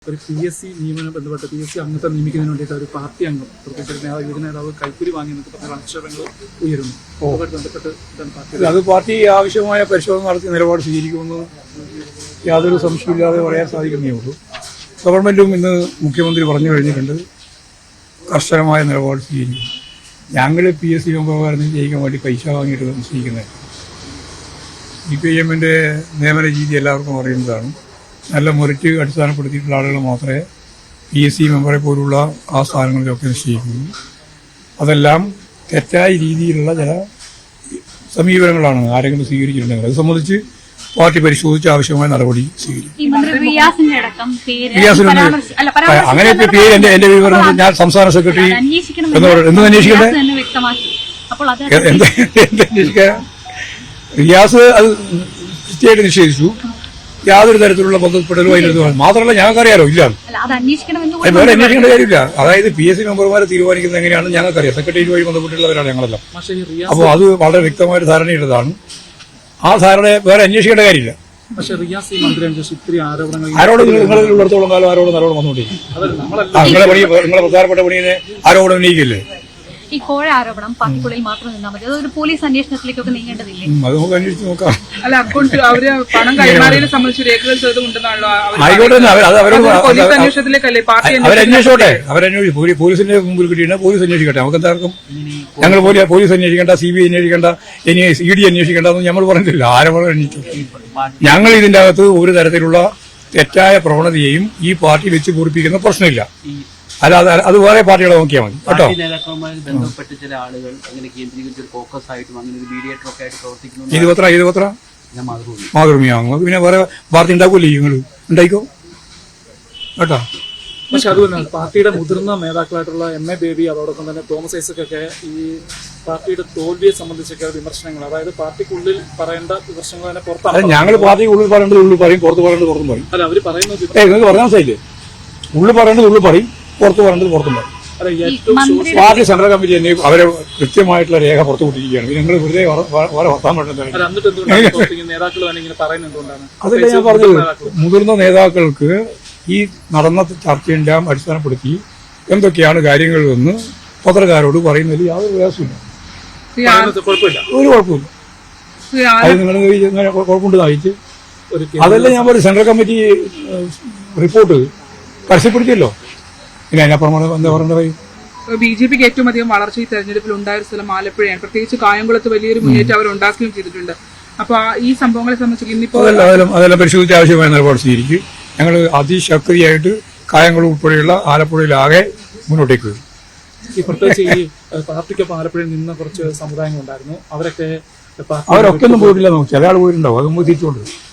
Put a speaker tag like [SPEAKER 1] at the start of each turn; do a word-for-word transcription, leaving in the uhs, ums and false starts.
[SPEAKER 1] ഒരു P S C നിയമനം ബന്ധപ്പെട്ട് പി എസ് സി അംഗത്തെ നിയമിക്കുന്നതിന് വേണ്ടിയിട്ട് ഒരു പാർട്ടി അംഗം പ്രത്യേകിച്ച് നേതാവ് യുവ നേതാവ് കൈക്കൂലി വാങ്ങി എന്നൊക്കെ പറഞ്ഞ ആക്ഷേപങ്ങൾ ഉയരുന്നു. അതുമായിട്ട് ബന്ധപ്പെട്ട്
[SPEAKER 2] അത് പാർട്ടി ആവശ്യമായ പരിശോധന നടത്തി നിലപാട് സ്വീകരിക്കുമെന്ന് യാതൊരു സംശയമില്ലാതെ പറയാൻ സാധിക്കുന്നേ ഉള്ളൂ. ഗവൺമെന്റും ഇന്ന് മുഖ്യമന്ത്രി പറഞ്ഞു കഴിഞ്ഞിട്ടുണ്ട്, കർശനമായ നിലപാട് സ്വീകരിക്കും. ഞങ്ങൾ പി എസ് സി മെമ്പർമാരെ ജയിക്കാൻ വേണ്ടി പൈസ വാങ്ങിയിട്ട് നിശ്ചയിക്കുന്നത്. സി പി ഐ എമ്മിൻ്റെ നിയമന രീതി എല്ലാവർക്കും അറിയുന്നതാണ്. നല്ല മെറിറ്റ് അടിസ്ഥാനപ്പെടുത്തിയിട്ടുള്ള ആളുകൾ മാത്രമേ പി എസ് സി മെമ്പറെ പോലുള്ള ആ സ്ഥാനങ്ങളിലൊക്കെ നിശ്ചയിക്കുന്നു. അതെല്ലാം തെറ്റായ രീതിയിലുള്ള ചില സമീപനങ്ങളാണ് ആരെങ്കിലും സ്വീകരിച്ചിട്ടുണ്ടെങ്കിൽ അത് സംബന്ധിച്ച് പാർട്ടി പരിശോധിച്ച് ആവശ്യമായ നടപടി സ്വീകരിക്കും. അങ്ങനെ പേര് എന്റെ എന്റെ വിവരം ഞാൻ സംസ്ഥാന സെക്രട്ടറി എന്ന് പറയുന്നത് എന്ത് അന്വേഷിക്കണ്ടേ? എന്തന്വേഷിക്കാൻ റിയാസ് അത് കൃത്യമായിട്ട് നിഷേധിച്ചു. യാതൊരു തരത്തിലുള്ള ബന്ധപ്പെടലോ അതിനകത്ത് മാത്രമല്ല ഞങ്ങൾക്കറിയാലോ ഇല്ല, വേറെ അന്വേഷിക്കേണ്ട കാര്യമില്ല. അതായത് പി എസ് സി മെമ്പർമാരെ തീരുമാനിക്കുന്നത് എങ്ങനെയാണെന്ന് ഞങ്ങൾക്കറിയാം. സെക്രട്ടേറിയറ്റ് വഴി ബന്ധപ്പെട്ടുള്ളവരാണ് ഞങ്ങളെല്ലാം. അപ്പോൾ അത് വളരെ വ്യക്തമായ ധാരണയുള്ളതാണ്. ആ ധാരണ വേറെ അന്വേഷിക്കേണ്ട കാര്യമില്ല. ആരോട് നിങ്ങൾ ഉള്ളിടത്തോളം കാലം ആരോടും ആരോടും വന്നുകൊണ്ടിരിക്കും. നിങ്ങളെ പണി നിങ്ങളെ പ്രധാനപ്പെട്ട പണിയെ ആരോടും ഉന്നയിക്കില്ലേ?
[SPEAKER 3] ഈ കോഴ ആരോപണം പാർട്ടിക്കുള്ളിൽ മാത്രം നിന്നാൽ മതി, അതൊരു പോലീസ് അന്വേഷണത്തിലേക്കൊക്കെ നീങ്ങേണ്ടതില്ലേ?
[SPEAKER 2] അത് നമുക്ക് അന്വേഷിച്ച് നോക്കാം.
[SPEAKER 4] അല്ല, അക്കൗണ്ട് അവര് പണം കൈമാറിയതിനെ സംബന്ധിച്ച് രേഖകൾ ചെയ്തുകൊണ്ടെന്നാണല്ലോ
[SPEAKER 2] ആയിക്കോട്ടെ.
[SPEAKER 4] Police അന്വേഷണത്തിലേക്കല്ലേ party
[SPEAKER 2] അവരന്വേഷിച്ചോട്ടെ. അവരന്വേഷിച്ചു പോലീസിന്റെ മുമ്പിൽ കിട്ടിയിട്ട് പോലീസ് അന്വേഷിക്കട്ടെ. നമുക്ക് എന്താർക്കും ഞങ്ങൾ പോലീസ് അന്വേഷിക്കേണ്ട, സി ബി ഐ അന്വേഷിക്കേണ്ട, ഇനി ഇ ഡി അന്വേഷിക്കേണ്ടെന്ന് നമ്മൾ പറഞ്ഞിട്ടില്ല. ആരും അന്വേഷിച്ചു. ഞങ്ങൾ ഇതിന്റെ അകത്ത് ഒരു തരത്തിലുള്ള തെറ്റായ പ്രവണതയെയും ഈ പാർട്ടി വെച്ച് പൂരിപ്പിക്കുന്ന പ്രശ്നമില്ല. അല്ലാതെ അത് വേറെ പാർട്ടികളെ നോക്കിയാൽ മതി കേട്ടോ.
[SPEAKER 5] ബന്ധപ്പെട്ട് ചില ആളുകൾ അങ്ങനെ കേന്ദ്രീകരിച്ച ഫോക്കസ് ആയിട്ടും അങ്ങനെ ഒരു മീഡിയേറ്റർ ഒക്കെ ആയിട്ട് പ്രവർത്തിക്കുന്നു.
[SPEAKER 2] ഇത് പത്ര ഇത് പത്ര മാതൃഭൂമിയാകും. പിന്നെ വേറെ പാർട്ടി ഉണ്ടാക്കൂല്ലേ നിങ്ങൾ ഉണ്ടായിക്കോ കേട്ടോ.
[SPEAKER 1] പക്ഷെ അതുപോലെ പാർട്ടിയുടെ മുതിർന്ന നേതാക്കളായിട്ടുള്ള എം എ ബേബി അതോടൊപ്പം തന്നെ തോമസ് ഐസക്കൊക്കെ ഈ പാർട്ടിയുടെ തോൽവിയെ സംബന്ധിച്ചൊക്കെ വിമർശനങ്ങൾ, അതായത് പാർട്ടിക്കുള്ളിൽ പറയേണ്ട വിമർശനങ്ങൾ തന്നെ പുറത്താണ്.
[SPEAKER 2] ഞങ്ങൾ പാർട്ടിക്ക് ഉള്ളിൽ പറയേണ്ടത് ഉള്ളിൽ പറയും, പുറത്ത് പറയേണ്ടത് പുറത്തും പറയും.
[SPEAKER 1] അല്ല, അവര് പറയുന്നത്
[SPEAKER 2] നിങ്ങൾക്ക് പറഞ്ഞാൽ മനസ്സിലായില്ലേ? ഉള്ളിൽ പറയേണ്ടത് ഉള്ളിൽ പറയും, പുറത്ത് പറയേണ്ടത് പുറത്തും പറയും. പാർട്ടി സെൻട്രൽ കമ്മിറ്റി തന്നെ അവരെ കൃത്യമായിട്ടുള്ള രേഖ പുറത്തു വിട്ടിരിക്കുകയാണ്. നിങ്ങൾ വെറുതെ വേറെ വർത്താൻ പറ്റുന്നത്. അതല്ല ഞാൻ പറഞ്ഞത്, മുതിർന്ന നേതാക്കൾക്ക് ഈ നടന്ന ചർച്ചയുടെ അടിസ്ഥാനപ്പെടുത്തി എന്തൊക്കെയാണ് കാര്യങ്ങൾ എന്ന് പത്രക്കാരോട് പറയുന്നതിൽ യാതൊരു പ്രയാസമില്ല, ഒരു കുഴപ്പമില്ല. അത് നിങ്ങൾ കുഴപ്പമുണ്ട് നയിച്ച് അതല്ല ഞാൻ പറയും. സെൻട്രൽ കമ്മിറ്റി റിപ്പോർട്ട് പരസ്യപ്പെടുത്തിയല്ലോ. ഇനി അതിനപ്പുറം എന്താ പറയേണ്ട കാര്യം?
[SPEAKER 4] ബി ജെ പിക്ക് ഏറ്റവും അധികം വളർച്ച ഈ തെരഞ്ഞെടുപ്പിൽ ഉണ്ടായ സ്ഥലം ആലപ്പുഴയാണ്. പ്രത്യേകിച്ച് കായംകുളത്ത് വലിയൊരു മുന്നേറ്റം അവർ ഉണ്ടാക്കുകയും ചെയ്തിട്ടുണ്ട്. അപ്പൊ ഈ സംഭവങ്ങളെ സംബന്ധിച്ച് ഇന്നിപ്പോ
[SPEAKER 2] അതെല്ലാം അതെല്ലാം പരിശോധിച്ച് ആവശ്യമായ നിലപാട് സ്വീകരിക്കും. ഞങ്ങൾ അതിശക്തിയായിട്ട് കായംകുളം ഉൾപ്പെടെയുള്ള ആലപ്പുഴയിലാകെ മുന്നോട്ടേക്ക് വരും.
[SPEAKER 1] ഈ പ്രത്യേകിച്ച് ഈ പാർട്ടിക്കൊപ്പം ആലപ്പുഴയിൽ നിന്ന് കുറച്ച് സമുദായങ്ങൾ ഉണ്ടായിരുന്നു. അവരൊക്കെ
[SPEAKER 2] അവരൊക്കെ ഒന്നും പോയിട്ടില്ല. ചില ആൾ പോയിട്ടുണ്ടാവും. അത് നമുക്ക് തിരിച്ചുകൊണ്ട്